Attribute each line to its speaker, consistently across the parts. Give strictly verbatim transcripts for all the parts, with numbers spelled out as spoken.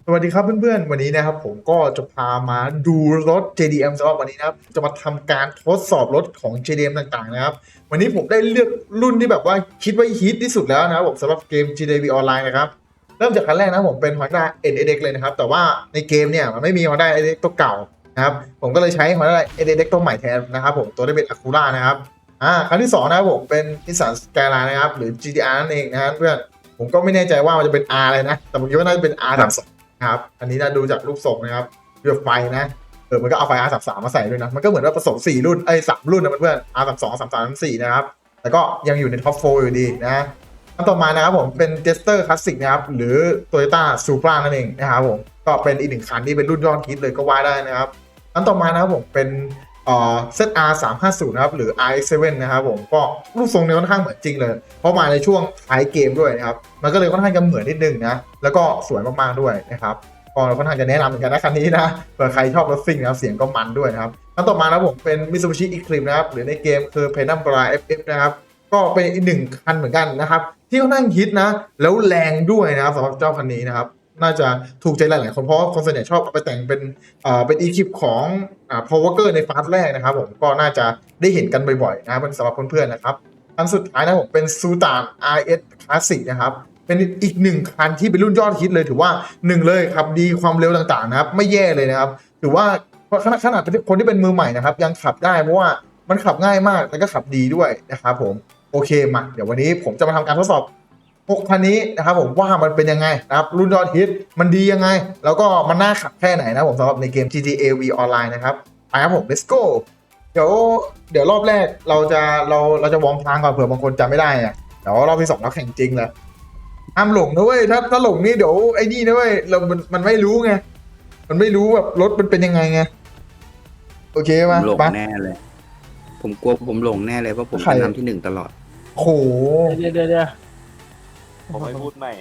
Speaker 1: สวัสดีครับเพื่อนๆวันนี้นะครับผมก็จะพามาดูรถ เจ ดี เอ็ม สำหรับวันนี้นะครับจะมาทำการทดสอบรถของ เจ ดี เอ็ม ต่างๆนะครับวันนี้ผมได้เลือกรุ่นที่แบบว่าคิดว่าฮิตที่สุดแล้วนะครับผมสำหรับเกม จี ดี วี ออนไลน์นะครับเริ่มจากคันแรกนะผมเป็น Honda เอ็น เอส เอ็กซ์ เลยนะครับแต่ว่าในเกมเนี่ยมันไม่มี Honda เอ็น เอส เอ็กซ์ ตัวเก่านะครับผมก็เลยใช้ Honda เอ็น เอส เอ็กซ์ ตัวใหม่แทนนะครับผมตัวได้เป็น Acura นะครับอ่าคันที่สองนะครับผมเป็น Nissan Skyline นะครับหรือ จี ที อาร์ นั่นเองนะครับเพื่อนผมก็ไม่แน่ใจว่ามันจะเป็น R อะไรนะแต่ผมคิดว่าน่าจะเป็น อาร์ สามสิบสองครับอันนี้นะดูจากรูปทรงนะครับเรือไฟนะเออมันก็เอาไฟ อาร์ สามสิบสาม มาใส่ด้วยนะมันก็เหมือนว่าผสมสี่รุ่นไอ้สามรุ่นนะเพื่อนๆ อาร์ สามสิบสอง สามสิบสาม สามสิบสี่นะครับแต่ก็ยังอยู่ในท็อปโฟร์อยู่ดีนะอันต่อมานะครับผมเป็น Jester Classic นะครับหรือ Toyota Supra นั่นเองนะครับผมก็เป็นอีกหนึ่งคันที่เป็นรุ่นยอดฮิตเลยก็ว่าได้นะครับอันต่อมานะครับผมเป็นเอ่อ เซด อาร์ สามห้าศูนย์ นะครับหรือ อาร์ เอ็กซ์ เซเว่น นะครับผมก็รูปทรงเนี่ยค่อนข้างเหมือนจริงเลยเพราะมาในช่วงท้ายเกมด้วยนะครับมันก็เลยค่อนข้างจะเหมือนนิดนึงนะแล้วก็สวยมากๆด้วยนะครับก็ค่อนข้างจะแนะนำเหมือนกันนะคันนี้นะเผื่อใครชอบรถซิ่งนะครับเสียงก็มันด้วยนะครับอันต่อมานะครับผมเป็น Mitsubishi Eclipse นะครับหรือในเกมคือ Penumbra เอฟ เอฟ นะครับก็เป็นอีกหนึ่งคันเหมือนกันนะครับที่ค่อนข้างฮิตนะแล้วแรงด้วยนะครับสำหรับเจ้าคันนี้นะครับน่าจะถูกใจหลายๆคนเพราะว่าคนส่วนใหญ่ชอบเอาไปแต่งเป็นเอ่อเป็นอีคิปของอ่า Paul Walker ในฟาสแรกนะครับผมก็น่าจะได้เห็นกันบ่อยๆนะครับสำหรับเพื่อนๆนะครับอันสุดท้ายนะผมเป็น Sutan อาร์ เอส Classic นะครับเป็นอีกหนึ่งคันที่เป็นรุ่นยอดฮิตเลยถือว่าหนึ่งเลยครับดีความเร็วต่างๆนะครับไม่แย่เลยนะครับถือว่าขนาดขนาดคนที่เป็นมือใหม่นะครับยังขับได้เพราะว่ามันขับง่ายมากแล้วก็ขับดีด้วยนะครับผมโอเคมาเดี๋ยววันนี้ผมจะมาทำการทดสอบ หกคันนี้นะครับผมว่ามันเป็นยังไงนะครับรุ่นยอดฮิตมันดียังไงแล้วก็มันน่าขับแค่ไหนนะผมสำหรับในเกม จี ที เอ V ออนไลน์นะครับไปครับผม let's go เดี๋ยวเดี๋ยวรอบแรกเราจะเราเราจะวอร์มทางก่อนเผื่อบางคนจำไม่ได้อะเดี๋ยวรอบที่สองเราแข่งจริงเลยห้ามหลงนะเว้ยถ้าถ้าหลงนี่เดี๋ยวไอ้นี่นะเว้ยเรามันมันไม่รู้ไงมันไม่รู้แบบรถมันเป็นยังไงไงโอเค
Speaker 2: ผม
Speaker 1: มา
Speaker 2: หลง
Speaker 1: ไป
Speaker 2: แน่เลย ผมกลัวผมหลงแน่เลยเพราะผม
Speaker 1: ใคร
Speaker 2: จะทำที่หนึ่งตลอด
Speaker 1: โห
Speaker 3: เดี๋ยวเดี๋ยวเดี๋ยว
Speaker 4: ผมไม่พูดใหม่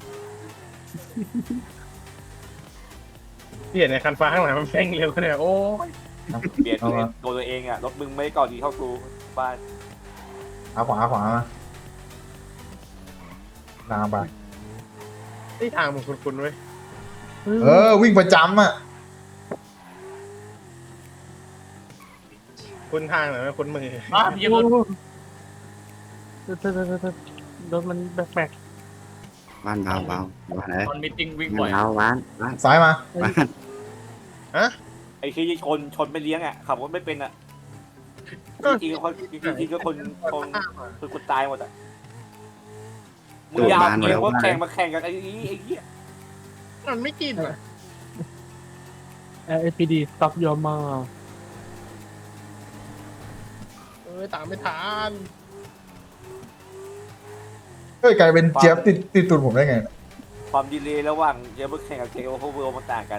Speaker 3: ที่เห็นในคันฟ้าข้างหลังมันแม่งเร็วขนาดโอ้ย
Speaker 4: เปลี่ยนตัวเองตัวตัวเองอ่ะรถมึงไม่ก่อนดีเท่ากูบ้าน
Speaker 1: ขวาขวาขวามาตามไป
Speaker 3: ที่ทางมันคุ้นๆเว้ย
Speaker 1: เออวิ่งประจำอ่ะ
Speaker 3: คุ้นทางหรือไม่คุ้นมือ
Speaker 5: อ่ะพี่รถ
Speaker 3: รถมันแปลก
Speaker 2: บ้านเบาเบาบ้านเลย
Speaker 5: ตอนมิทติ้งวิ่งบ่อย
Speaker 2: บ้านเบาบ้านบ้าน
Speaker 1: ซ้ายมา
Speaker 2: บ้าน
Speaker 4: ไอ้ที่ชนชนไม่เลี้ยงอ่ะขับรถไม่เป็นอ่ะจริงๆก็คนจริงๆก็คนคนคือคนตายหมดอ่ะมึงอยาวเกมว่าแข่งมาแข่งกันไอ้นี้ไอ้เหี้ย
Speaker 3: ๆมันไม่กินอ่ะ
Speaker 6: เอพีดี stop your m o
Speaker 3: เออตามไม่ทัน
Speaker 1: เฮ้ยกลายเป็นเจี๊ยบติดติดตูดผมได้ไงเนี่ย
Speaker 4: ความดีเลยระหว่างเกมแข่งกับเกมโอเวอร์เวิลด์มันต่างกัน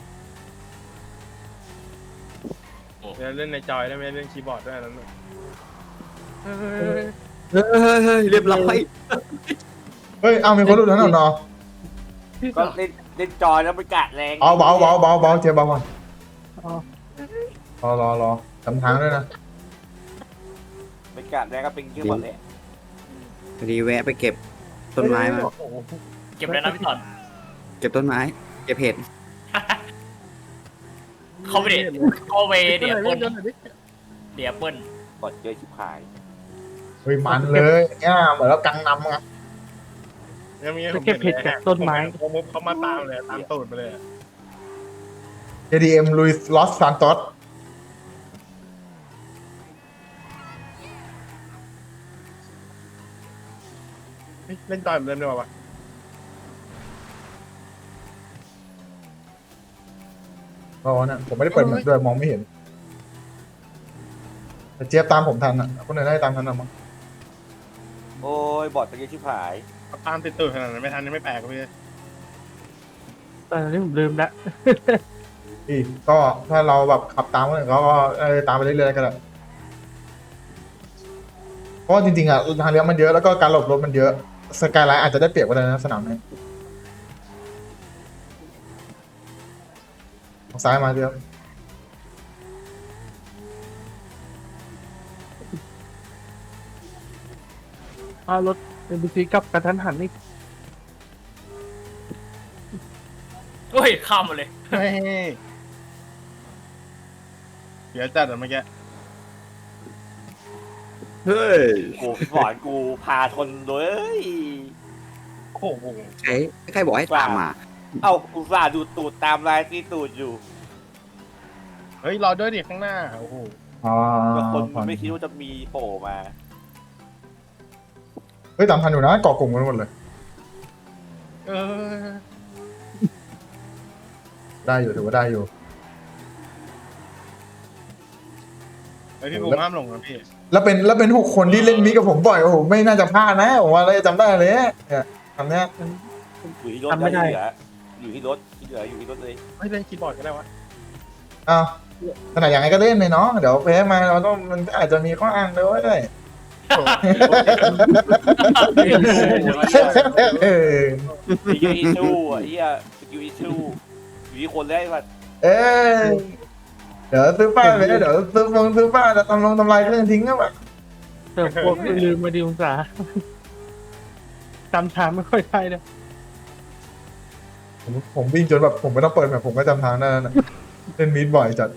Speaker 3: เดี๋ยวเล่นในจอยได้ไหมเล่นคีย์บอร์ดด้วยนั่น
Speaker 2: เฮ้ยเฮ้ยเฮ้ยเรียบร้อย
Speaker 1: เฮ้ยเอามีคนรู้แล้วเนาะ
Speaker 4: ก็เล่นเล่นจอยแล้วมันกะแรง
Speaker 1: เอาเบาเบาเบาเบาเจี๊ยบเบาก่อนรอรอรอทำทางด้วยนะ
Speaker 4: มันกะแรงก็เป็นเกมหมดเลย
Speaker 2: พอดีแวะไปเก็บต้นไม้มา
Speaker 5: เก็บเลยนะพี่ตอน
Speaker 2: เก็บต้นไม้ เก็บเห็ด
Speaker 5: เข้าไปเดี๋ยวเข้าไปเดี๋ยวเปิ้ลเดี๋ยวเปิ้ล
Speaker 4: กดเจอชิบหาย
Speaker 1: เฮ้ยมันเลยเนี่ยเหมือนเรากังนำไง
Speaker 3: ยังมี
Speaker 6: ไปเก็บเห็ดจากต้นไม้
Speaker 3: ผมเขามาตามเลยตามตูดไปเลย
Speaker 1: เจ ดี เอ็ม ลุยส์ลอสซานโตส
Speaker 3: เล่นจอยเหมือนเดิมดีกว่า
Speaker 1: รอเนี่ยผมไม่ได้เปิดเหมือนด้วยมองไม่เห็นแต่เจี๊ยบตามผมทันอ่ะคนอื่นได้ตามทันหรือมั้ง
Speaker 4: โอ้ยบอดตะกี้ชิบหาย
Speaker 3: ตามติดตูดขนาดนั้นไม่ทันไม่แปลกพี่
Speaker 6: แต่ตอนนี้ผมลืมแล้ว
Speaker 1: อีกก็ถ้าเราแบบขับตามคนอื่นเขาก็เออตามไปเรื่อยๆก็ได้เพราะว่าจริงๆอ่ะทางเลี้ยวมันเยอะแล้วก็การหลบรถมันเยอะสกายไลน์อาจจะได้เปรียบก็ได้นะสนามนี้ทางซ้ายมาเดียว
Speaker 6: อ้าวรถเอ็นบีซีกลับกระทันหันนี่
Speaker 5: โอ้อ้ยข้ามมาเลย
Speaker 3: เฮ้ยเดี๋ยวจัดอ่ะเมื่อกี้
Speaker 2: เฮ้ย
Speaker 4: โอ้สอนกูพาทนเลย
Speaker 3: โอ้โห
Speaker 2: ใครใครบอกให้ตามมา
Speaker 4: เอ้าอุตส่าห์ดูตูดตามลายที่ตูดอยู่
Speaker 3: เฮ้ยรอด้วยดิข้างหน้าโอ้โห
Speaker 1: อ๋อ
Speaker 4: ก็คนมันไม่คิดว่าจะมีโผล่มา
Speaker 1: เฮ้ยตามทันอยู่นะเกาะกลุ่มกันหมดเลย
Speaker 3: เออ
Speaker 1: ได้อยู่ถือว่าได้อยู่
Speaker 3: ไอพี่บูมห้ามหลงนะพี่
Speaker 1: แล้วเป็นแล้วเป็นหกคนที่เล่นมิกกับผมบ่อยโอ้โหไม่น่าจะพลาดนะผมว่าเราจะจำได้เลยเนี่ยทำเนี้ย
Speaker 4: อยู่ที่รถแล้วที่เหลืออยู่ที่รถที่เหลืออยู่ที่รถเลย
Speaker 3: ไม่เล่นคีย์บอร์ดก็ได้วะ
Speaker 1: อ้าวขนาดอย่างไรก็เล่นเลยเนาะเดี๋ยวแพ้มาเราต้องมันอาจจะมีข้ออ้างด้วย เออ
Speaker 4: มียูอีชูอ่ะเฮียยูอีชูอยู่ที่คนแรกว่า
Speaker 1: เอ้ยเดี๋ยวซื้อป้ายไปเดี๋ยวซื้อฟงซื้อป้ายแล้วทำลงทำลายเครื่องทิ้งก็แบบ
Speaker 6: แต่พวกลืมมาดีองศาจำทางไม่ค่อยได้เลย
Speaker 1: ผมผมวิ่งจนแบบผมไม่ต้องเปิดแบบผมก็จำทางได้แล้วนะเล่นมิดบ่อยจัด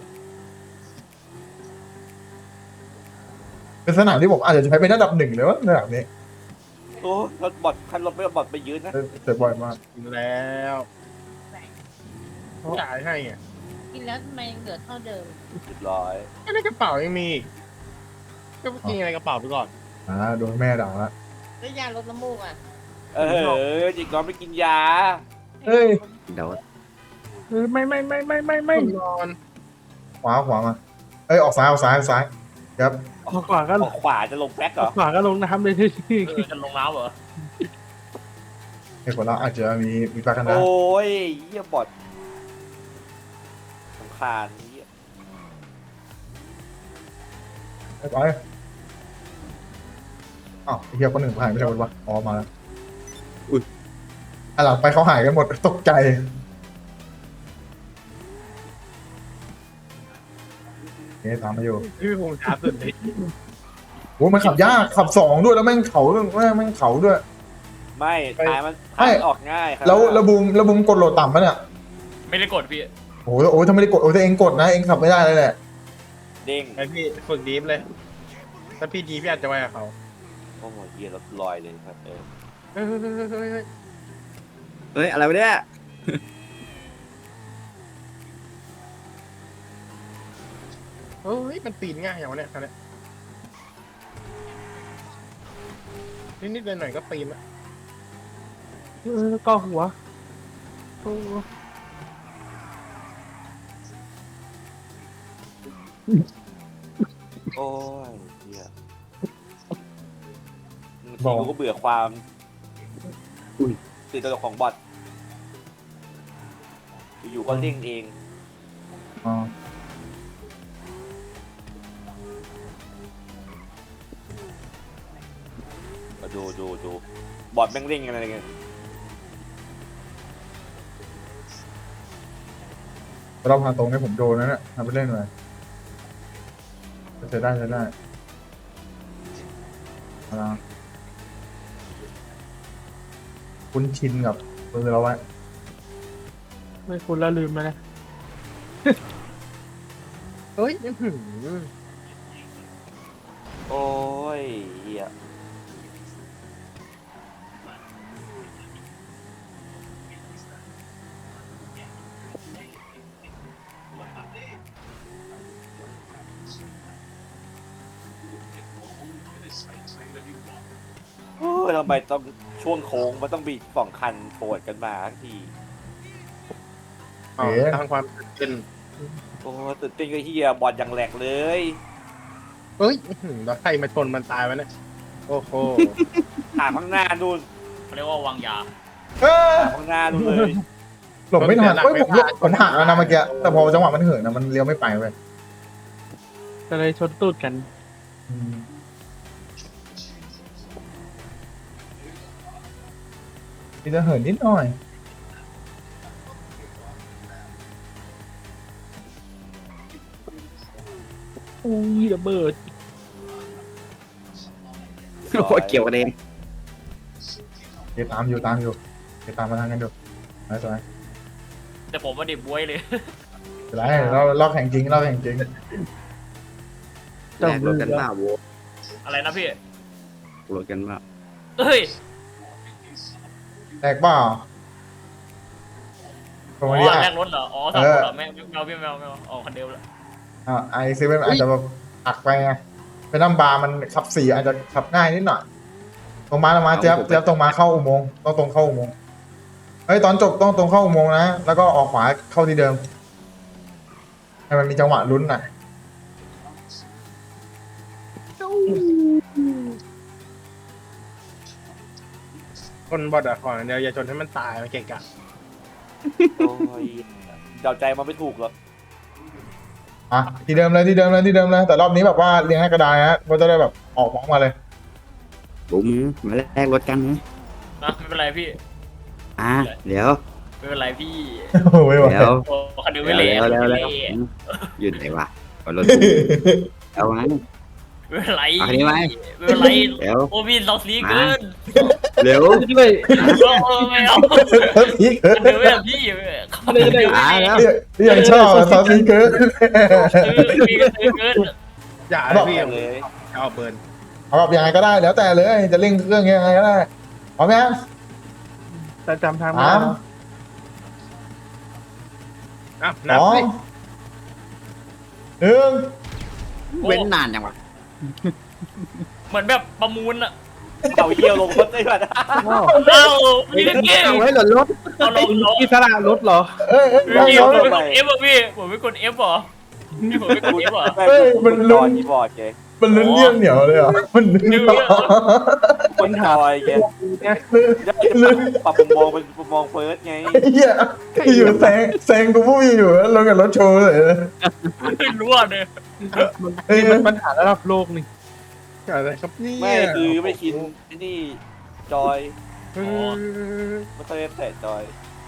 Speaker 1: เป็นสนามที่ผมอาจจะใช้เป็นระดับหนึ่งเลยว่าสนามนี้
Speaker 4: โอ้รถบอดคันรถไม่บอดไปยืนนะ
Speaker 1: เจ็บบ่อยมาก
Speaker 3: กินแล้วจ่ายให้อ่ะ
Speaker 7: กินแล้วทำไมยังเหลือเท่าเดิม
Speaker 4: เรียบร้อย
Speaker 3: ก็ในกระเป๋ายังมีอีกก็กินอะไรกระเป๋าไปก่อน
Speaker 1: อ่าโดนแม่ด่าละ
Speaker 7: แล้วยาลดน้ำมูกอ่ะ
Speaker 4: เออจิกน้องไม่กินยา
Speaker 1: เฮ้ย
Speaker 2: เดี๋ยว
Speaker 6: เออไม่ไม่ไม่ไม่ไม่ไม่
Speaker 3: นอน
Speaker 1: ขวาขวามาเอ้ยออกซ้ายออกซ้ายออกซ้ายครับ
Speaker 6: ออกขวาก็
Speaker 4: ออกขวาจะลงแบ็คเหร
Speaker 6: อ
Speaker 4: อ
Speaker 6: อกขวาก็ลงน้ำเลยที่
Speaker 5: เออจะลงน้ำเหรอ
Speaker 1: ไอ้คนเราอาจจะมีมีปากกันนะ
Speaker 4: โอ้ยเฮียบอดสำคาญเฮีย
Speaker 1: ไปไปอ้าวไอ้เหี้ยคนหนึ่งหายไม่ใช่คนวะอ๋อมาแล้วอุ้ยอ่ะหลังไปเขาหายกันหมดตกใจเนี่ยตามมาอยู่
Speaker 3: พี่บูมช้าสุดเลย
Speaker 1: โอ้มันขับยากขับสองด้วยแล้วแม่งเขาด้วยแม่งแม่งเขาด้วย
Speaker 4: ไม่ทายมัน
Speaker 1: ไม่
Speaker 4: ทายมันออกง่ายครับ
Speaker 1: แล้วระบุมระบุมกดโหลดต่ำปะเนี่ย
Speaker 5: ไม่ได้กดพี่
Speaker 1: โอ้โหโอ้ยถ้าไม่ได้กดโอ้ยถ้าเองกดนะเองขับไม่ได้เลยแหละ
Speaker 4: เด้ง
Speaker 3: ไอพี่ฝึกดีฟเลย ถ้าพี่ดีพี่อาจจะไปกับเขา
Speaker 4: โอ้โหเฮียรถลอยเลยครับเออ
Speaker 3: เฮ้ยเฮ้ยเฮ้ยเฮ้ย
Speaker 2: เฮ้ยอะไรวะเนี่ย
Speaker 3: เฮ้ยมันปีนง่ายอย่างวะเนี่ยคันเนี้ยนิดๆหน่อยๆก็ปีนละ
Speaker 6: เออก็หัวโอ้
Speaker 4: โอ้ยเฮียบางทีกูก็เบื่อความตื่นตระหนกของบอทอยู่ๆก็เร่งเอง
Speaker 1: อ๋อ
Speaker 4: มาดูดูดูบอทแม่งเร่งกันอะไรเงี้ย
Speaker 1: รอบทางตรงนี้ผมโดนนะเนี่ยทำไปเล่นเลยใช้ได้ใช้ได้เอาละคุ้นชินกับมือเราไว้
Speaker 6: ไม่คุณแล้วลืมมานะ
Speaker 3: เฮ้ยอื้อหือ
Speaker 4: โอ้ยเฮียโอ้ยทำไมต้องช่วงโค้งมันต้องมีสองคันโผล่กันมาทั้งที
Speaker 3: อ๋อทางความเป็น
Speaker 4: โอ้ยตื่นเต้นก็เฮียบอทอย่างแหลกเลย
Speaker 3: เฮ้ยอื้อหือแล้วใครมาชนมันตายวะเนี่ยโอ้โห
Speaker 4: ถามข้างหน้านู่น
Speaker 5: เขาเรียกว่าวางยา
Speaker 1: เออ
Speaker 4: ถามข้างหน้านู่นเลย
Speaker 1: หลบไม่ทันเฮ้ยผมหลบผมหักแล้วนะเมื่อกี้แต่พอจังหวะมันเหินนะมันเลี้ยวไม่ไปเว้ย
Speaker 6: ก็เลยชนตูดกัน
Speaker 1: อืมมีจะเหินนิดหน่อย
Speaker 6: โอ้ยระเบิด
Speaker 2: โคตรเกี่ยวกันเอง
Speaker 1: เดี๋ยวตามอยู่ตามอยู่เดี๋ยวตามมาทางกันดูไปสวย
Speaker 5: แต่ผมมาดิบบวยเลย
Speaker 1: ไรเราเราแข่งจริงเราแข่งจริง
Speaker 2: แลกรถกันเปล่าโว้
Speaker 5: อะไรนะพี่
Speaker 2: รถกันเปล่า
Speaker 5: เฮ้ย
Speaker 1: แตกเปล่าตร
Speaker 5: อ๋
Speaker 1: ง
Speaker 5: อ
Speaker 1: นี้
Speaker 5: แล
Speaker 1: อ่ะ
Speaker 5: กรถเหรออ๋อสามคนเหรอแม่แมวพี่แมวแมวอ๋อคนเดียวละ
Speaker 1: อ่าไอเซเว่นอาจจะแบบอักไปไงเป็นน้ำบาร์มันขับสี่อาจจะขับง่ายนิดหน่อยตรงมาตรงมาเจี๊ยบเจี๊ยบตรงมาเข้าอุโมงค์ต้องตรงเข้าอุโมงค์เฮ้ยตอนจบต้องตรงเข้าอุโมงค์นะแล้วก็ออกขวาเข้าที่เดิมให้มันมีจังหวะลุ้นหน่อย
Speaker 3: คนบอดอะก่อนเดียวอย่าชนให้มันตายมันเกะกะ
Speaker 4: โอ้ยเดาใจมันไม่ถูกหรอก
Speaker 1: อ่ะที่เดิมเลยที่เดิมเลยที่เดิมเลยแต่รอบนี้แบบว่าเรียงให้กระดานฮะมันจะได้แบบออกพร้อมมาเลย
Speaker 2: บุ๋มมาแลกรถกันนะ
Speaker 5: นะไม่เป็นไรพี่
Speaker 2: อ่ะเดี๋ยว
Speaker 5: ไม่เป็นไรพี่
Speaker 1: โอ้ยว่ะ
Speaker 2: เดี๋ยว
Speaker 5: โอ้คันเดียว
Speaker 2: เดี๋
Speaker 5: ไม่
Speaker 2: ยว
Speaker 5: เละ
Speaker 2: เดี๋ยว
Speaker 5: ไม่
Speaker 2: เดี๋ยว
Speaker 5: เละ
Speaker 2: อยู่ไหนวะเอารถกูเอาไว้
Speaker 5: ไม่เป็นไร
Speaker 2: เอาคันนี้ไว้
Speaker 5: ไม่เป็นไร
Speaker 2: เดี๋ยว
Speaker 5: โอ้พี่เราสีเกิน
Speaker 2: เร็ว
Speaker 6: ด้วย
Speaker 5: โอ้ไม่เอา
Speaker 1: พีคเกิ
Speaker 5: คันเดียวไม่เอาพี่คันเดียวไม่
Speaker 2: อ่า
Speaker 5: เอา
Speaker 2: แล้ว
Speaker 1: เรียกเรียกชอบอะซอสพีคเกิน
Speaker 5: ซื้อพี่ก็ซื้อเกิน
Speaker 3: อย่า
Speaker 1: บอก
Speaker 3: พี่
Speaker 4: เลย
Speaker 3: เอาเบิร์น
Speaker 1: เอาแบบยังไงก็ได้แล้วแต่เลยจะเร่งเครื่องยังไงก็ได้พร้อมยัง
Speaker 6: แต่จำทางไม่
Speaker 1: สา
Speaker 6: ได้
Speaker 1: ม
Speaker 6: นะ
Speaker 3: อ่ะ
Speaker 1: ส
Speaker 3: นับ
Speaker 1: อง
Speaker 3: สิ
Speaker 1: หนึ่ง
Speaker 2: เว้นนานจังวะ
Speaker 5: เหมือนแบบประมูลอะ
Speaker 4: เอาเยี่ยวลงรถได้ป่ะ
Speaker 6: ว้าว
Speaker 5: เอ้าพี่เล่นเกม
Speaker 6: เอาไว้หล่นรถ
Speaker 5: เอาลงลง
Speaker 6: อิสระรถเหรอ
Speaker 1: เอ้ยเอ้ย
Speaker 5: พี่
Speaker 1: เดี๋ยว
Speaker 5: ผม
Speaker 1: เดี๋ยว
Speaker 5: ไม่กด F อ่ะพี่ผมไม่กด F เหรอพี่ผมไม่กด F เหรอ
Speaker 1: เฮ้ยมัน
Speaker 4: น
Speaker 1: ลุ้
Speaker 4: อน
Speaker 1: น
Speaker 4: ที่บอร์ดแก
Speaker 1: มันลุ้นเยี่ยมเหนียวเลยเหรอ่ะมันลุ้น
Speaker 5: เดี๋ยว
Speaker 1: เหรอ
Speaker 4: คนทอยแก
Speaker 6: เนี่ย
Speaker 4: ได้ปรับมุมมองเป็นมุมมองเฟิร์สไง
Speaker 1: เฮียอยู่แซงแซงกูผู้อยู่แล้วลงกับรถโชว์เลย
Speaker 5: ไม่รู้อ่ะเนี่ย
Speaker 1: เอ้ย
Speaker 6: มันปัญหาระดับโลกนี่
Speaker 3: อะไรครับนี่
Speaker 4: ไม่คือไม่ชินไอ้นี่จอย
Speaker 3: เออ
Speaker 4: ไม่ค่อยได้แตะจอย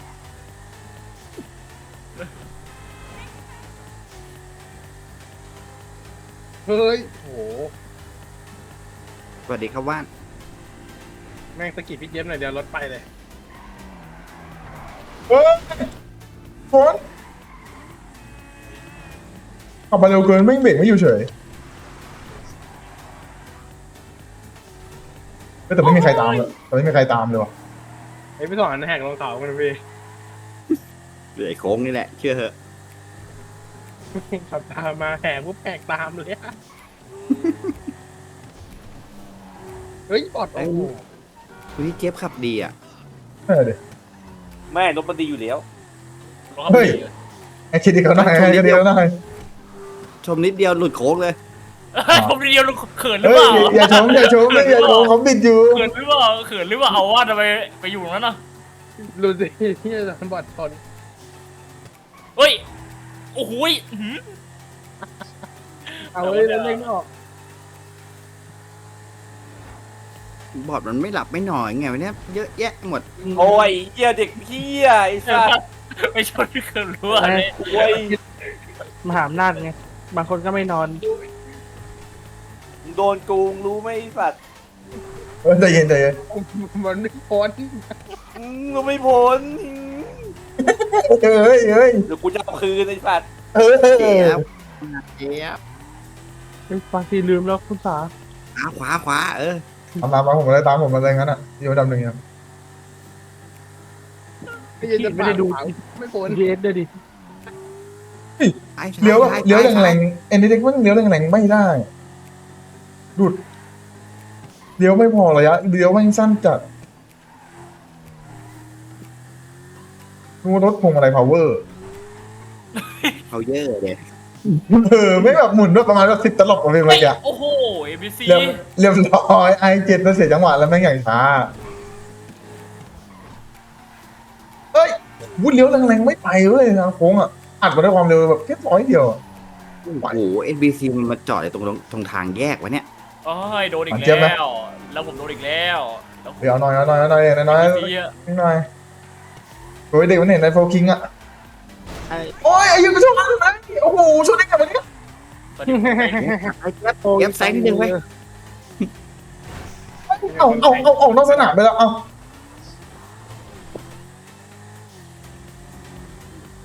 Speaker 3: เฮ้ยโห
Speaker 2: สวัสดีครับว่าน
Speaker 3: แม่งสะกิดพี่เจี๊ยบหน่อยเดียวรถไปเลย
Speaker 1: เฮ้ยฝนขับมาเร็วเกินไม่เบรกไม่อยู่เฉยเฮ้ยแต่ไม่มีใครตามเลยแต่ไม่มีใครตามเลยว่ะ
Speaker 3: ไอ้พี่สอนแหกลงเขากันพี่
Speaker 2: เหลือไอ้โค้งนี่แหละ เชื่อเหอะ
Speaker 3: ขับตามมาแหกปุ๊บแหกตามเลยอะเฮ้ยบอดโอ้โห
Speaker 2: คุณที่เจี๊ยบขับดีอ่ะ
Speaker 1: เออเดี๋ยว
Speaker 4: แม่รถมันดีอยู่แล้ว
Speaker 1: เฮ้ย ไอ้คิดดีเขาหน่อยไอ้คิดดีเขาหน่อย
Speaker 2: ชมนิดเดียวหลุดโค้งเลย
Speaker 5: ผมเดียวเขินหรือ
Speaker 1: เฮ้
Speaker 5: เป
Speaker 1: ย
Speaker 5: ล่า
Speaker 1: อย่าชมอย่าชมไม่อย่าชมเขาบิดอยู่
Speaker 5: เขินหรือเปล่าเขินหรือเปล่าเอาว่าทำไมไปอยู่ตรงนั้นน่ะ
Speaker 3: ดูสิที่จะบอดชน
Speaker 5: เฮ้ยโอ้โหยอื้อหือ
Speaker 6: เอาเลยแล้วเร่งออก
Speaker 2: บอดมันไม่หลับไม่นอนไงวันนี้เยอะแยะหมด
Speaker 4: โอ้ยเหี้ยเด็กเหี้ยไอ้สัส
Speaker 5: ไม่ชนเขินรู้อะไร
Speaker 4: โอ้ย
Speaker 6: มหาอำนาจไงบางคนก็ไม่นอน
Speaker 4: มึงโดนกูงรู้ไหมไอ้สัส
Speaker 1: เออใจเย็นใจเย็น
Speaker 3: มันไม่พ้น
Speaker 4: อืมมึงไม่พ้น
Speaker 1: เฮ้ยเฮ้ย
Speaker 4: เดี๋ยวกูจะเอาคืนไอ้สัส
Speaker 1: เฮ้ย
Speaker 2: เจี๊ยบเจี๊ยบบ
Speaker 6: างทีลืมแล้วคุณสา
Speaker 2: ขวาขวาขวาเออ
Speaker 1: ตามตามมาผมมาเลยตามผมมาเลยงั้นอ่ะอยู่อันดับหนึ่งอ่ะ
Speaker 3: ไม่ใช่จะ
Speaker 6: ไม่ได้ดู
Speaker 3: ไม่พ้น
Speaker 6: ดีเอสด้วยดิ
Speaker 2: ซ้ายซ้าย
Speaker 1: เลี้ยวแบบ
Speaker 2: ซ้า
Speaker 1: เลี้ยว
Speaker 2: ซ้า
Speaker 1: แรงๆเอ็นดีเด็กมันเลี้ยวแรงๆไม่ได้ดุดเลี้ยวไม่พอระยะเลี้ยวไม่งสั้นจัดดูรถพวงอะไร power
Speaker 2: เขาเยอะเลย
Speaker 1: เออไม่แบบหมุนด้วยประมาณแบบสิบตลบกว่าเป็นเมื่อกี้
Speaker 5: โอ้โหเอบีซี
Speaker 1: เรียบเรียบร้อยไอเจ็ดมันเสียจังหวะแล้วแม่งอย่างช้าเฮ้ยวุ้นเลี้ยวแรงๆไม่ไปเว้ยทางโค้งอ่ะอัดมาด้วยความเร็วแบบแค่ร้อยเดียวอะ
Speaker 2: โอ้โหเอ็นบีซีมันมาจอดอยู่ตรงตรงทางแยกวะเนี่ย
Speaker 5: โอ้ยโดนอีก
Speaker 1: อ่ะเจี๊ยบไหม
Speaker 5: แล้ว แล้วผมโดนอีกแล้วแล้วผม
Speaker 1: เดี๋ยวเอาหน่อยเอาหน่อยเอาหน่อยเอาหน่อย
Speaker 5: เอ
Speaker 1: เอา
Speaker 5: บีซีอะ
Speaker 1: หน่อยโอ้ยเด็กมันเห็นในโฟกิงอ่ะ
Speaker 2: ไอ้
Speaker 1: โอ้ยไอ้ยังก็ชนมันนะโอ้โหชนได้ไงวะเนี่ย
Speaker 5: ตอนนี้ผมไป
Speaker 2: ไอ้เจี๊ยบเจี๊ยบแซงนิดนึงไว้ย
Speaker 1: เอาเอาเอาออกนอกสนามไปแล้วเอา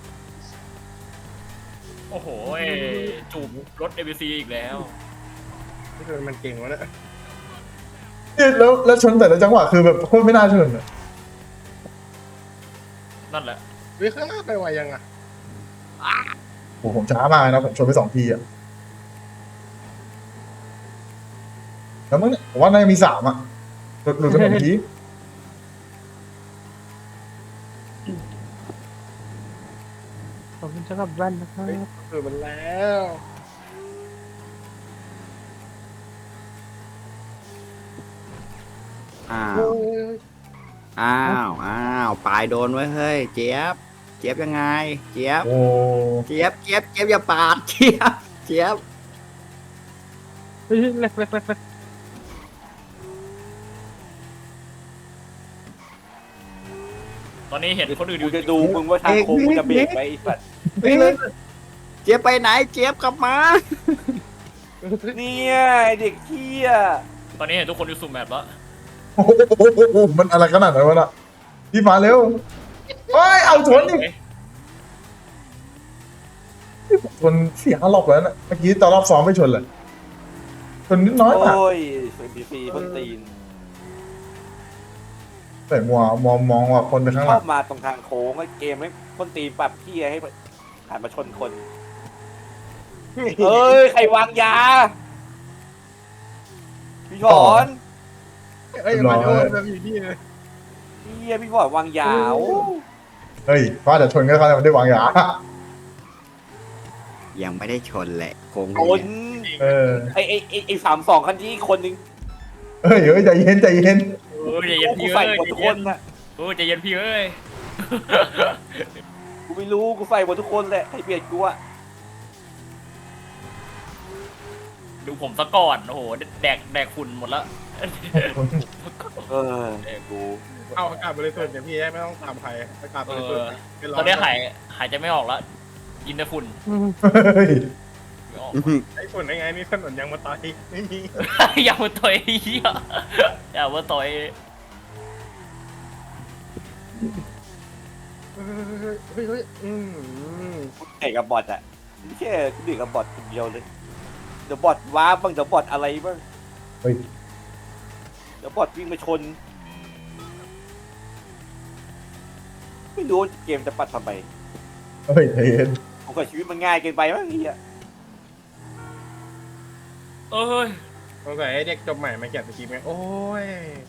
Speaker 5: จูบรถ เอ บี ซี อีกแล้ว
Speaker 3: นี่คือมันเก่งวะเนี่ย
Speaker 1: เนี่ยแล้วแล้วชนแต่ละจังหวะคือแบบโคตรไม่น่าชนอะ
Speaker 5: นั่นแหละ
Speaker 3: เฮ้ยข้างหน้าไปไวยังอ่ะ
Speaker 1: โอ้โหผมช้ามากนะผมชนไปสองทีอะแล้วมึงเนี่ยผมว่าน่าจะมีสามอะหลุดหลุดไปหนึ่งที
Speaker 6: ขอบคุณสำหรับแว่นนะครับ
Speaker 3: เฮ้ยคือมันแล้ว
Speaker 2: อ้าว
Speaker 3: โอ้ย
Speaker 2: อ้าวอ้าวปลายโดนไว้เฮ้ยเจี๊ยบเจี๊ยบยังไง เจี๊ยบ
Speaker 1: โอ้
Speaker 2: เจี๊ยบเจี๊ยบเจี๊ยบอย่าปาดเจี๊ยบเจี๊ยบ
Speaker 6: เฮ้ยเล็กเล็กเล็กเล็ก
Speaker 5: ตอนนี้เห็นคนอื่นอ
Speaker 4: กู
Speaker 5: ยู่
Speaker 4: จะดูมึงว่าทางโค้งมึงจะเบรกไหมไอ้สัตว์
Speaker 2: เฮ้ยเจี๊ยบไปไหนเจี๊ยบกลับมา
Speaker 4: เนี่ยไอ้เด็กเหี้ย
Speaker 5: ตอนนี้เห็นทุกคนอยู่สุ่มแมปแล้ว
Speaker 1: โหมันอะไรขนาดนั้นวะน่ะพี่มาเร็วเฮ้ยเอาชนอีกชนเสียห้ารอบแล้วนะเมื่อกี้ตอนรอบซ้อมไม่ชนเลยชนนิดน้อยมาก
Speaker 4: โอ้ยเอ็มบีซีพ่นตีน
Speaker 1: แต่มัวมองมองว่าคนไปข้างห
Speaker 4: ช
Speaker 1: ลั
Speaker 4: อง บมาตรงทางโค้งไอ้เกมไม่พ่นตีนปรับเหี้ยให้หันมาชนคนเอ้ยใครวางยาพี่ถอน
Speaker 3: เอ้ยมาโดนแบบอยู่นี่เลย
Speaker 4: เหี้ยพี่ถอนวางยาโอ้
Speaker 1: เฮ้ยเพราะแต่ชนก็เขาไม่ได้วางยา
Speaker 2: ยังไม่ได้ชนแหละโค้ง
Speaker 4: คน
Speaker 1: เออ
Speaker 4: ไอ้ไอ้ไอ้ไอ้สามสองคันที่คนนึง
Speaker 1: เฮ้ยเฮ้ยใจเย็นใจเย็น
Speaker 5: เออใจเย็น
Speaker 4: กู
Speaker 5: พี่
Speaker 4: ใส่
Speaker 5: เอ้ย
Speaker 4: หมดทุกคนน่ะ
Speaker 5: เออใจเย็นพี่เอ้ย
Speaker 4: กูไม่รู้กูใส่หมดทุกคนแหละให้เบียดกูอะ
Speaker 5: ดูผมซะก่อนโอ้โหแดกแดกฝุ่นหมดแล้ว
Speaker 4: เออกู
Speaker 3: เอาอากาศบริสุทธิ์เนี่ยพี่ไม่ต้องตามใครอากาศบริสุทธิ์นะเป็
Speaker 5: ตอนนี้หายหายใจไม่ออกแล้วกินแต่ฝุ่น
Speaker 1: เฮ้ย
Speaker 5: ไม่ออก
Speaker 3: ไอ้ฝุ่นได้ไงนี่ถนนยังมาตายไม่มี
Speaker 5: อย่ามาต่อยเหี้ยอย่ามาต่อย
Speaker 3: เฮ้ยเฮ้ยเฮ้ยอืม
Speaker 4: เด็กกับบอทอะไม่ใช่กูเด็กกับบอทคนเดียวเลยเดี๋ยวบอทว้าบ้างเดี๋ยวบอทอะไรบ้าง
Speaker 1: เฮ้ย
Speaker 4: เดี๋ยวบอทวิ่งมาชนไม่รู้เกมจะปัดทำไม
Speaker 1: เฮ้ยใจเย็น
Speaker 4: ผมกับชีวิตมันง่ายเกินไปมั้งนี่อะ
Speaker 5: เอ้ย
Speaker 3: สงสัยไอ้เด็กจบใหม่มาเขียนสคริปต์ไงโอ้ย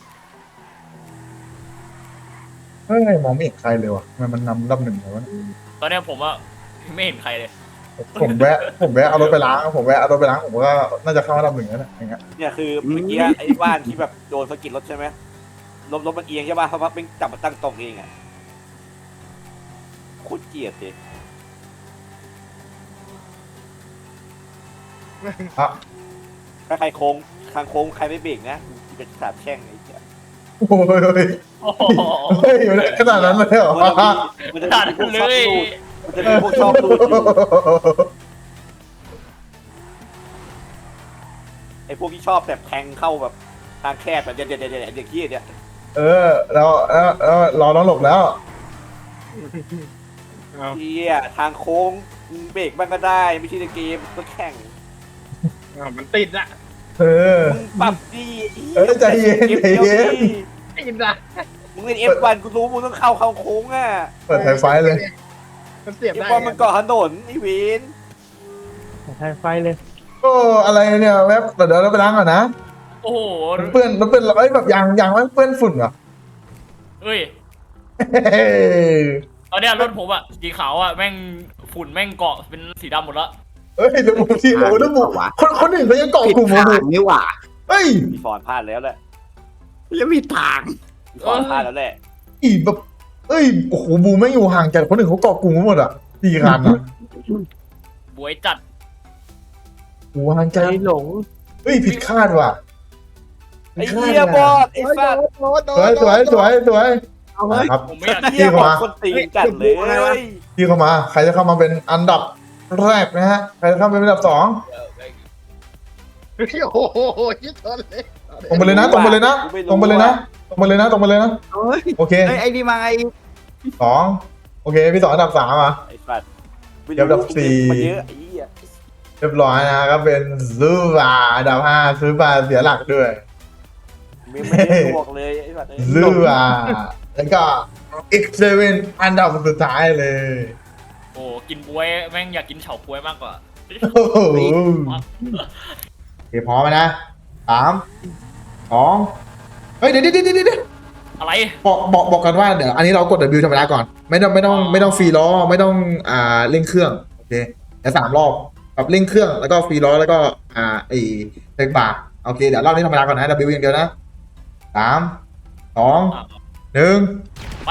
Speaker 1: เฮ้ยมองไม่เห็นใครเลยว่ะทำไมมันนำดับหนึ่งเลยวะ
Speaker 5: ตอนนี้ผมอะไม่เห็นใครเลย
Speaker 1: ผมแวะผมแวะเอารถไปล้างผมแวะเอารถไปล้างผมก็น่าจะเข้าอันดับหนึ่งแล้วนะอย่างเงี้ย
Speaker 4: เนี่ยคือเมื่อกี้ไอ้บ้านที่แบบโดนสะกิดรถใช่ไหมรถรถมันเอียงใช่ป่ะเขาพักเป็นจับมาตั้งตรงเองอะโคตรเกลียดเลย
Speaker 1: อ่ะ
Speaker 4: ถ้าใครโค้งทางโค้งใครไม่เบรกนะกูจะสาบแช่งไอ้เหี้ย
Speaker 1: โอ้ยเฮ้ย
Speaker 5: โอ้โห
Speaker 1: เฮ้ยอยู่ในขนาดนั้นเลยเหรอ
Speaker 4: มันจะ
Speaker 5: ตัด
Speaker 4: มีพวก
Speaker 5: เล
Speaker 4: ชอบ
Speaker 5: ย
Speaker 4: รูดมันจะมีพวกชอบรูดอยู่ไอ้พวกที่ชอบแบบแทงเข้าแบบทางแคบแบบเดี๋ยวเดี๋ยวเดี๋ยวเดี๋ยวขี้เนี่ย
Speaker 1: เออแล้วแล้วแล้วรอน้องหลบแล้ว
Speaker 3: เอา
Speaker 4: เฮียทางโค้งเบรกบ้างก็ได้ไม่ใช่ในเกมก็แข่ง
Speaker 3: เอามันติดอะ
Speaker 1: เออ
Speaker 4: มึงปรับดี
Speaker 1: เออใจเย็นใจเย็น
Speaker 3: ติดอะ
Speaker 4: มึงเล่นเอฟวันกูรู้มึงต้องเข้าเข้าโค้งอ่ะ
Speaker 1: เปิดไฟไฟเลย
Speaker 3: มันเสียบ
Speaker 4: เอฟ
Speaker 3: ได้
Speaker 4: วันมันเกาะถนนไอ้เวน
Speaker 6: ใช้ไฟเลย
Speaker 1: โอ้อะไรเนี่ยแวบเดี๋ยวเราไปล้างก่อนนะ
Speaker 5: โอ้โห
Speaker 1: มันเปื้อนมันเปื้อนเอ้ยแบบยางยางมันเปื้อนฝุ่นเหรอ
Speaker 5: เอ้ย
Speaker 1: เฮ้ย
Speaker 5: ตอนเนี้ยรถผมอะสีขาวอะแม่งฝุ่นแม่งเกาะเป็นสีดำหมดแล้ว
Speaker 1: เฮ้ยแล้วบุที่โอ้แล้วบุคนคนอื่นเขายังเกาะ
Speaker 2: ผิด
Speaker 1: กลุ่ม
Speaker 2: ทา
Speaker 1: บุ
Speaker 2: งนี่หว่า
Speaker 1: เฮ้ย
Speaker 4: พี่ฟอนพลาดแล้วแหละ
Speaker 2: แล้วมีทาง
Speaker 4: พี่ฟอนพลาดแล้วแหละ
Speaker 1: อีแบบเอ้ยโอ้โหบูไม่อยู่ห่างจากคนอื่นเขาเกาะกลุ่มกันหมดอ่ะสี่คันอ่ะ
Speaker 5: บวยจัด
Speaker 1: โอ้ห่าง
Speaker 6: ใจ
Speaker 1: จาก
Speaker 6: หลง
Speaker 1: เฮ้ยผิดคาดว่ะ
Speaker 4: ไอ้เหี้ยบอสไอ้สัตว์
Speaker 1: สวยสวยสวยสวย
Speaker 2: เอาเฮ้ย
Speaker 1: ครับ
Speaker 5: ผมไม่อยาก
Speaker 4: เหี้ยบอสคนตีนจัดเลย
Speaker 1: พี่เข้ามา ใครจะเข้ามาเป็นอันดับแรกนะฮะใครจะเข้ามาเป็นอันดับสอง
Speaker 3: โอ้โหยิ่งทนเลย
Speaker 1: ตรงไปเลยนะตรงไปเลยนะตรงไปเลยนะตรงไปเลยนะตรงไปเลยนะ
Speaker 2: เฮ้ย
Speaker 1: โอเค
Speaker 2: เฮ้ยไอ้นี่มาไง
Speaker 1: สองโอเคพี่สองอันดับสามอ่ะ
Speaker 4: ไอ้สัตว์
Speaker 1: เดี๋ยวอันดับสี่
Speaker 4: มันเยอะไอ้เหี้ย
Speaker 1: เรียบร้อยนะครับเป็นซูบาอันดับห้าซูบาเสียหลักด้วย
Speaker 4: ไม่ไม่ได้บวกเลยไอ้แบบนี้
Speaker 1: ซูบาแล้วก็ เอ็กซ์ เซเว่น อันดับสุดท้ายเลย
Speaker 5: โอ้กินบวยแม่งอยากกินเฉาบวยมากกว่า
Speaker 1: โอ้โหโอเคพร้อมไหมนะสามสองเฮ้ยเดี๋ยวเดี๋ยวเดี๋ยวเดี๋ยว
Speaker 5: อะไร
Speaker 1: บอกบอกบอกกันว่าเดี๋ยวอันนี้เรากด W ธรรมดาก่อน ไม่ต้องไม่ต้องไม่ต้องฟรีล้อไม่ต้องอ่าเร่งเครื่องโอเคเดี๋ยวสามรอบแบบเร่งเครื่องแล้วก็ฟรีล้อแล้วก็อ่าไอ้เร่งบาร์โอเคเดี๋ยวรอบนี้ธรรมดาก่อนนะ W อย่างเดียวนะสามสองหนึ่ง
Speaker 5: ไป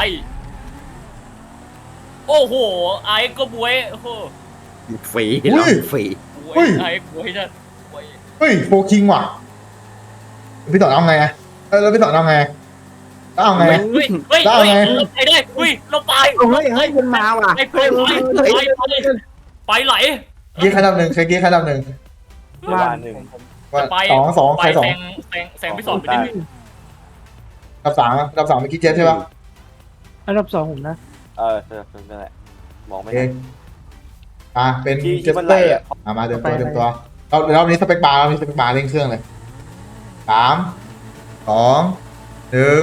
Speaker 5: โอ้โหไอ้ก็บวยโอ้โห
Speaker 2: ฟรีเราฟรี
Speaker 5: บวยไอ้บวยจะบวย
Speaker 1: เฮ้ยโฟคิงว่ะพี่ต่อเอาไงอะเออแล้วพี่ต่อเอาไงแล้วเอาไง
Speaker 5: เฮ้ยเฮ้ย
Speaker 1: ได้
Speaker 5: เฮ้ย
Speaker 1: ไง
Speaker 5: เราไปได้เฮ้ยเราไป
Speaker 2: เฮ้ยเฮ้ยมันมาว่ะ
Speaker 5: ไปไปไปไปไปไปไหล
Speaker 1: กี้ขั้นดับหนึ่งใครกี้ขั้นดับหนึ่ง
Speaker 4: ว่าหนึ่ง
Speaker 1: ว่า
Speaker 5: ไป
Speaker 1: สองสอง
Speaker 5: ไป
Speaker 1: ใครสอ
Speaker 5: แซ
Speaker 1: ง
Speaker 5: งแซงแซงพี่สอนไปนิดนึง
Speaker 1: ดับสามอะดับสามเมื่อกี้เจฟใช่ป่ะ
Speaker 6: อันดับสองผมนะ
Speaker 4: เออเออนั่นแหละมอง
Speaker 1: โอ
Speaker 4: ไม่
Speaker 1: เค
Speaker 4: เห็น
Speaker 1: อ่ะเป็น
Speaker 4: ที่
Speaker 1: เจ
Speaker 4: ที่
Speaker 1: ส
Speaker 4: มัน
Speaker 1: เต
Speaker 4: ไหล
Speaker 1: อร์
Speaker 4: อะ
Speaker 1: อ่ะมาเดิมตัวเดิมตัวเราเรานี้สเปคบาร์เรานี้สเปคบาร์เร่งเครื่องเลยสามสองหนึ่ง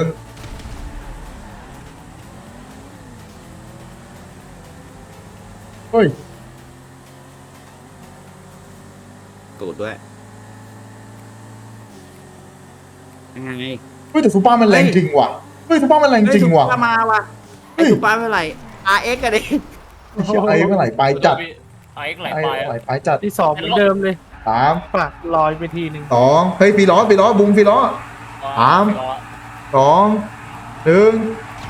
Speaker 1: เฮ้ย
Speaker 2: ตูดด้วยยังไง
Speaker 1: เฮ้ยแต่ซูเปอร์มันแรงจริงว่ะเฮ้ยซูเปอร์มันแรงจริงว่ะ
Speaker 2: เฮ้ยซุปเปอร์มาว่ะไอ้ซุปเปอร์เมื่อไหร่ อาร์ เอ็กซ์ กันดิ
Speaker 1: เชี่ยไอ้เมื่อไหร่ไปจัด
Speaker 5: ไอ้ไหล
Speaker 1: ไอ้
Speaker 5: ไป
Speaker 1: เมื่อไห
Speaker 5: อะ
Speaker 1: ร่ไปจัด
Speaker 6: ที่สองเหมือนเดิมเลย
Speaker 1: สาม
Speaker 6: ปากลอยไปทีหนึ่ง
Speaker 1: สองเฮ้ยฟีล้อฟีล้อบุ้งฟีล้อ สาม สองหนึ่ง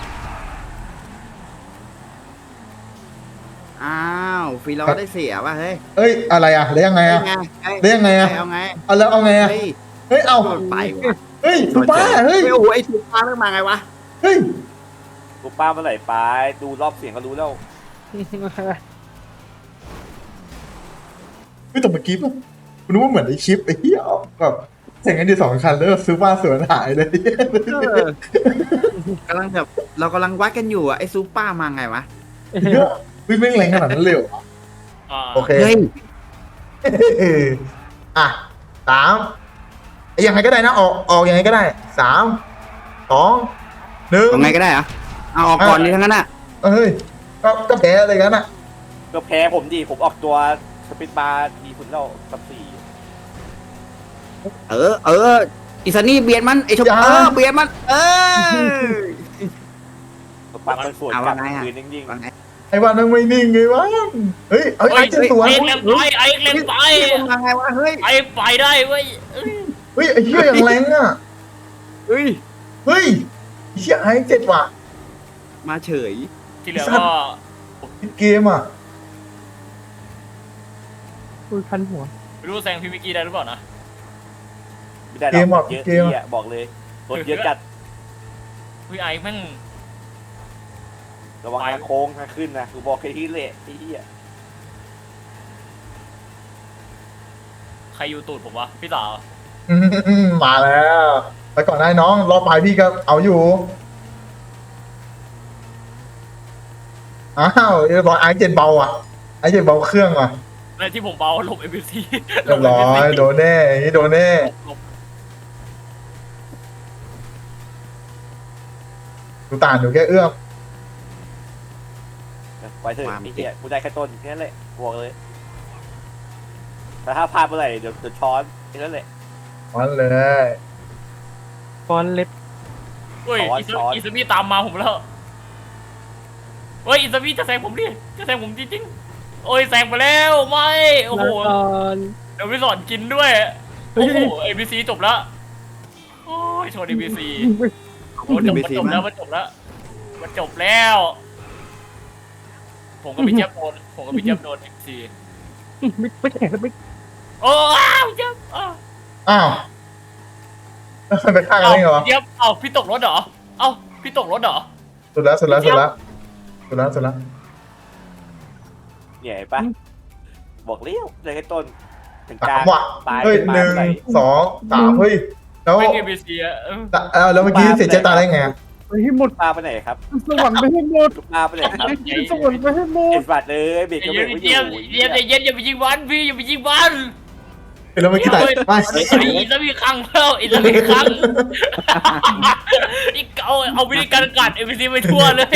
Speaker 2: อ้าวฟรีเราได้เสียว่ะเฮ้ย
Speaker 1: เอ้ยอะไรอ่ะแล้วยังไงอ่ะ
Speaker 2: ไงเฮ้ย
Speaker 1: แล้วยังไงอ่ะ
Speaker 2: เอาไง
Speaker 1: เอาแล้วเอาไงอ่ะ
Speaker 2: เฮ้ย
Speaker 1: เฮ้ยเอา
Speaker 2: มันไปว่ะ
Speaker 1: เฮ้ยซูเปอร์เฮ้ย
Speaker 2: โอ้โหไอ้ซุปเปอร์ไม่มาไงวะ
Speaker 1: เฮ้ย
Speaker 4: กูป้าเมื่อไหร่ไปดูรอบเสียงก็รู้แล้ว
Speaker 1: เฮ้ยแต่เมื่อกี้ป่ะคุณนึกว่าเหมือนในคลิปไอ้เหี้ยแบบแข่งกันที่สองคันแล้วซูเปอร์สวนหายเลย
Speaker 2: เออกำลังแบบเรากำลังวัดกันอยู่อะไอ้ซุปเปอร์มาไงวะ
Speaker 1: เยอะวิ่งแม่งแรงขนาดนั้นเลยเหรอ
Speaker 5: อ่า
Speaker 1: โอเค
Speaker 2: เฮ้ย
Speaker 1: อ่ะสามยังไงก็ได้นะ ออกออกยังไงก็ได้สามสองหนึ่ง
Speaker 2: เอาไงก็ได้เหรอะเอาออกก่อนดีทั้งนั้นอะ
Speaker 1: เอ้ยก็ก็แพ้อะไรกันอ่ะ
Speaker 4: ก็แพ้ผมดิผมออกตัวสปิดบาร์ดีคุณแล้วสับสี่
Speaker 2: เออ เอออิสนี่เบียดมันไอ้ชมเออเบียดมัน เออ
Speaker 4: ตัวปั๊มมันสวน
Speaker 2: เอา
Speaker 4: กลั
Speaker 2: ว่า
Speaker 4: บ
Speaker 2: ไงอะ
Speaker 4: คืนนิ่ง
Speaker 2: ว่าไง
Speaker 1: ไอ้วันนั้นไม่นิ่งไงวะเฮ้ยเอ้ยไอ้เจ็ดสวน
Speaker 5: ไอ้เล่นไปไอ้เล่นไป
Speaker 2: มาไงวะเฮ้ย
Speaker 5: ไอ้ไปได้เว้ยเอ้ย
Speaker 1: เฮ้ยไอ้เหี้ยอย่างแรงอ่ะ
Speaker 2: เฮ้ย
Speaker 1: เฮ้ยไอ้เหี้ยไอ้เจ็ดว่ะ
Speaker 2: มาเฉย
Speaker 5: ที่เหลือก็
Speaker 1: เกมอ่ะ
Speaker 6: คุยคันหัว
Speaker 5: ไม่รู้แซงพี่มิกกี้ได้หรือเปล่านะ
Speaker 4: ๆไม่ได้หรอกเยอะที่อ่ะบอกเลยรถเยอะจัด
Speaker 5: พี่ไอ้แม่ง
Speaker 4: ระวังทางโค้งทางขึ้นนะกูบอกแค่ที่เละที่เหี้ย
Speaker 5: ใครอยู่ตูดผมวะพี่สาว
Speaker 1: อืมมาแล้วไปก่อนได้น้องรอบไปพี่ก็เอาอยู่อ้าวเรียบร้อยไอ้เจ็ดเบาอ่ะไอ้เจ็ดเบาเครื่องอ่ะ
Speaker 5: ในที่ผมเบาหลบเอ็มบีซี
Speaker 1: เรียบร้อยโดนแน่อย่างนี้โดนแน่ดูต่านอยู่แค่เอื้อม
Speaker 4: ไว้เถอะไอ้เหี้ยกูได้แค่ต้นแค่นั้นแหละบอกเลยแต่ถ้าพลาดเมื่อไหร่เดี๋ยวจะช้อนแค่นั้นแหละ
Speaker 1: มันเลย
Speaker 6: ฟอนเล็บ
Speaker 5: เฮ้ยอิซอิซามิตามมาผมแล้วเฮ้ยอิซามิจะแซงผมดิจะแซงผมจริงๆโอ้ยแซงไปแล้วไม่โอ้โห
Speaker 6: แล้วตอน
Speaker 5: เดี๋ยวพี่สอนกินด้วยโอ้โหเอ็มบีซีจบแล้วโอ้ยโชว์เอ็มบีซีโอ้จบมันจบแล้วมันจบแล้วมันจบแล้ว ผมกับพี่เจี๊ยบโดนผมกับพี่เจี๊ยบโดนเอ็มบีซี
Speaker 6: ไม่ไม่แข่งแล้วไม่
Speaker 5: โอ้อ้าวพี่เจี๊ยบอ้าว
Speaker 1: อ้าวแล้วมันไปฆ่ากันได้ไงวะ
Speaker 5: พี่เจี๊ยบเอ้าพี่ตกรถเหรอเอ้าพี่ตกรถเหรอ
Speaker 1: สุดแล้วสุดแล้วสุดแล้วสุดแล้วสุดแล้ว
Speaker 4: เนี่ยเห็นปะบอกเลี้ยวเลยแค่ต้นถึงก
Speaker 1: สา
Speaker 4: ลาม ง
Speaker 1: ว่ะ
Speaker 4: ตาย
Speaker 1: เฮ้ย
Speaker 4: ขึ้นมา
Speaker 1: หนึ่ง
Speaker 4: เมื่อไหร่
Speaker 1: สองสามเฮ้ยแล้ว
Speaker 5: ไม่เอ็มบีซีอะเออ
Speaker 1: เออแล้วเมื่อกี้เสียใจตายได้ไง
Speaker 2: เ
Speaker 6: ไปให้หมด
Speaker 4: ปลาไปไหนครับ
Speaker 6: สวรรค์ไปให้หมด
Speaker 4: ปลาไปไหนครับ
Speaker 6: สวรรค์ไปให้หม
Speaker 4: เอ็
Speaker 6: ด
Speaker 4: นบัตรเลยเบรกก็เบร
Speaker 5: เยี่
Speaker 4: ก
Speaker 5: ยม
Speaker 4: ไม่อ
Speaker 5: เยี่ยม
Speaker 4: ยู่
Speaker 5: เยี่ยมเยี่ยมอย่าไปยิงบอลพี่อย่าไปยิงบอล
Speaker 1: เราไม่คิดอะไรไม่
Speaker 5: ไอ้อิสมีครั้งแล้วอิสมีครั้งอีกเอาเอาวิธีการกัดเอ็มซีไปทั่วเลย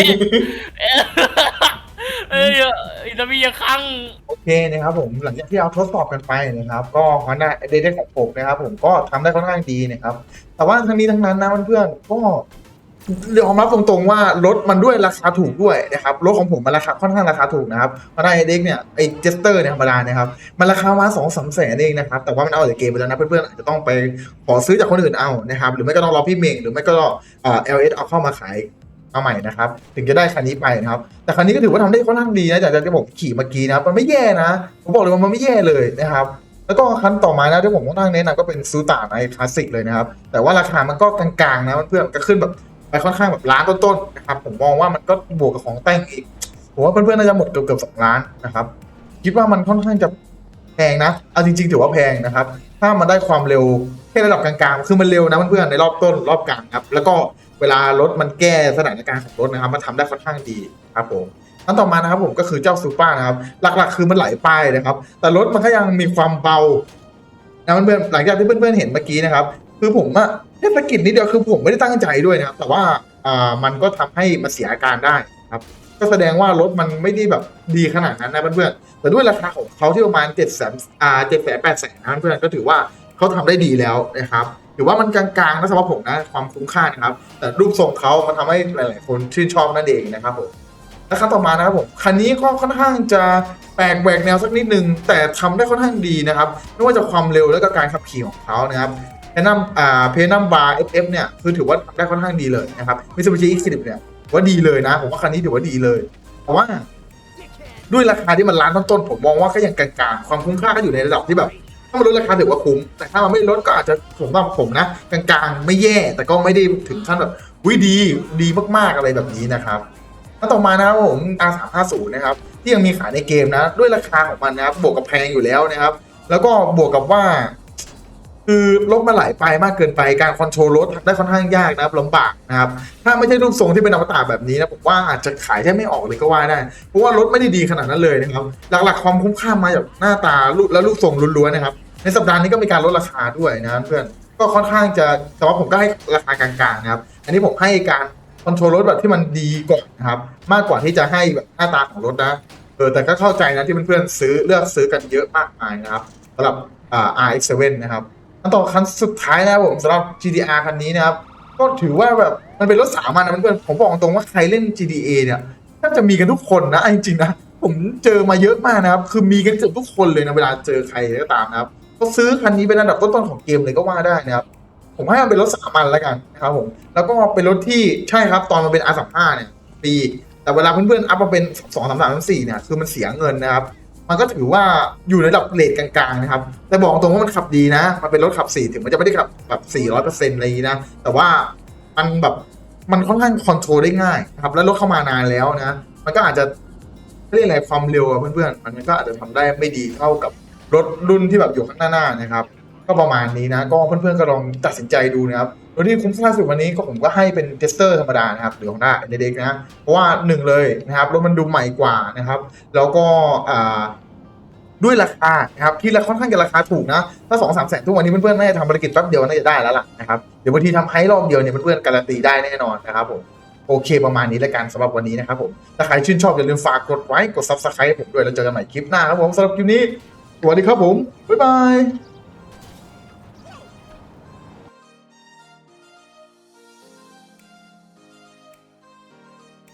Speaker 5: เอ้ยอิสมีครั้ง
Speaker 1: โอเคนะครับผมหลังจากที่เราทดสอบกันไปนะครับ ก็ฮอนด้าเดเดของผมนะครับผมก็ทำได้ค่อนข้างดีนะครับ แต่ว่าทั้งนี้ทั้งนั้นนะเพื่อนๆก็ยอมรับตรงๆว่ารถมันด้วยราคาถูกด้วยนะครับรถของผมมันราคาค่อนข้างราคาถูกนะครับฮอนด้าเด็กเนี่ยไอเจสเตอร์เนี่ยธรรมดานะครับมันราคามาสองสามแสนเองนะครับแต่ว่ามันเอาจากเกมไปแล้วนะเพื่อนๆอาจจะต้องไปขอซื้อจากคนอื่นเอานะครับหรือไม่ก็ต้องรอพี่เมงหรือไม่ก็เอ่อ แอล เอส เอาเข้ามาขายมาใหม่นะครับถึงจะได้คันนี้ไปนะครับแต่คันนี้ก็ถือว่าทำได้ค่อนข้างดีนะจากที่ผมขี่เมื่อกี้นะครับมันไม่แย่นะผมบอกเลยว่ามันไม่แย่เลยนะครับแล้วก็คันต่อมานะที่ผมต้องนั่งแนะนำก็เป็นซูตาในคลาสสิกเลยนะครับแต่ว่าราคามันก็กลางๆนะเพื่อนๆก็ขึ้นแบบไปค่อนข้างแบบล้านต้นๆนะครับผมมองว่ามันก็บวกกับของแต่งอีกผมว่าเพื่อนๆน่าจะหมดเกือบๆสองล้านนะครับคิดว่ามันค่อนข้างจะแพงนะเอาจริงๆถือว่าแพงนะครับถ้ามันได้ความเร็วแค่ระดับกลางๆคือมันเร็วนะเพื่อนๆในรอบต้นรอบกลางครับแล้วก็เวลารถมันแก้สถานการณ์ของรถนะครับมันทำได้ค่อนข้างดีครับผมอันต่อมานะครับผมก็คือเจ้าซูเปอร์นะครับหลักๆคือมันไหลไปนะครับแต่รถมันก็ยังมีความเบานะเพื่อนๆหลังจากที่เพื่อนๆเห็นเมื่อกี้นะครับคือผมอะแค่สะกิดนิดเดียวคือผมไม่ได้ตั้งใจด้วยนะครับแต่ว่าอ่ามันก็ทำให้มันเสียอาการได้ครับก็แสดงว่ารถมันไม่ได้แบบดีขนาดนั้นนะเพื่อนๆแต่ด้วยราคาของเขาที่ประมาณเจ็ดแสนอ่าเจ็ดแสนแปดแสนนะเพื่อนๆก็ถือว่าเขาทำได้ดีแล้วนะครับถือว่ามันกลางๆนะสำหรับผมนะความคุ้มค่านะครับแต่รูปทรงเขามันทำให้หลายๆคนชื่นชอบนั่นเองนะครับผมและคันต่อมานะครับผมคันนี้ก็ค่อนข้างจะแปลกแหวกแนวสักนิดนึงแต่ทำได้ค่อนข้างดีนะครับไม่ว่าจะความเร็วแล้วก็การขับขี่ของเขานะครับเพนัมอ่าเพนัมบาร์ เอฟ เอฟ เนี่ยคือถือว่าทำได้ค่อนข้างดีเลยนะครับมิตซูบิชิ อี สิบ เนี่ยว่าดีเลยนะผมว่าคันนี้ถือว่าดีเลยแต่ว่าด้วยราคาที่มันล้านต้นๆผมมองว่าก็ยังกลางๆความคุ้มค่าก็อยู่ในระดับที่แบบถ้ามันลดราคาถือว่าคุ้มแต่ถ้ามันไม่ลดก็อาจจะผมว่าผมนะกลางๆไม่แย่แต่ก็ไม่ได้ถึงขั้นแบบวิดีดีมากๆอะไรแบบนี้นะครับแล้วต่อมานะครับผม อาร์ สามห้าศูนย์ นะครับที่ยังมีขายในเกมนะด้วยราคาของมันนะครับบวกกับแพงอยู่แล้วนะครับแล้วก็บวกกับว่าคือรถมันไหลไปมากเกินไปการคอนโทรลรถได้ค่อนข้างยากนะครับลำบากนะครับถ้าไม่ใช่รูปทรงที่เป็นอมตะแบบนี้นะผมว่าอาจจะขายแทบไม่ออกเลยก็ว่าได้เพราะว่ารถไม่ได้ดีขนาดนั้นเลยนะครับหลักๆความคุ้มค่ามาจากหน้าตาและรูปทรงล้วนๆนะครับในสัปดาห์นี้ก็มีการลดราคาด้วยนะเพื่อนก็ค่อนข้างจะแต่ว่าผมก็ให้ราคากลางๆนะครับอันนี้ผมให้การคอนโทรลรถแบบที่มันดีก่อนนะครับมากกว่าที่จะให้แบบหน้าตาของรถนะเออแต่ก็เข้าใจนะที่เพื่อนๆซื้อเลือกซื้อกันเยอะมากมายนะครับสำหรับอ่า อาร์ เอ็กซ์ เซเว่น นะครับอันต่อคันสุดท้ายนะครับผมสำหรับ จี ที อาร์ คันนี้นะครับก็ถือว่าแบบมันเป็นรถสามัญนะเพื่อนๆผมบอกตรงว่าใครเล่น จี ที เอ เนี่ยน่าจะมีกันทุกคนนะจริงๆนะผมเจอมาเยอะมากนะครับคือมีกันเกือบทุกคนเลยนะเวลาเจอใครก็ตามนะครับก็ซื้อคันนี้เป็นอันดับต้นๆของเกมเลยก็ว่าได้นะครับผมให้มันเป็นรถสามัญแล้วกันนะครับผมแล้วก็เป็นรถที่ใช่ครับตอนมันเป็น อาร์ สามสิบห้า เนี่ยปีแต่เวลาเพื่อนๆอัพมาเป็นสอง สาม สาม สี่เนี่ยคือมันเสียเงินนะครับมันก็ถือว่าอยู่ในระดับเรทกลางๆนะครับแต่บอกตรงว่ามันขับดีนะมันเป็นรถขับสี่ถึงมันจะไม่ได้ขับแบบสี่ร้อยเปอร์เซ็นต์อะไรอย่างนี้นะแต่ว่ามันแบบมันค่อนข้างคอนโทรลได้ง่ายนะครับแล้วรถเข้ามานานแล้วนะมันก็อาจจะเรียกอะไรความเร็วอะเพื่อนๆมันก็อาจจะทำได้ไม่ดีเท่ากับรถรุ่นที่แบบอยู่ข้างหน้าๆนะครับก็ประมาณนี้นะก็เพื่อนๆก็ลองตัดสินใจดูนะครับรถที่คุ้มค่าสุดวันนี้ก็ผมก็ให้เป็นเทสเตอร์ธรรมดานะครับหรือของหน้าเด็กๆนะเพราะว่าหนึ่งเลยนะครับรถมันดูใหม่กว่านะครับแล้วก็อ่าด้วยราคานะครับที่ราคาค่อนข้างจะราคาถูกนะถ้าสองสามแสนทุกวันนี้เพื่อนๆน่าจะทำภารกิจแป๊บเดียวน่าจะได้แล้วล่ะนะครับเดี๋ยวบางทีทำไฮรอบเดียวเนี่ยเพื่อนๆการันตีได้แน่นอนนะครับผมโอเคประมาณนี้แล้วกันสำหรับวันนี้นะครับผมถ้าใครชื่นชอบอย่าลืมฝากกดไลค์กด ซับสไครบ์ ให้ผมด้วยแล้วเจอกันใหม่คลิปหน้าครับผมสำหรับคลิปนี้สวัสดีครับผมบ๊ายบาย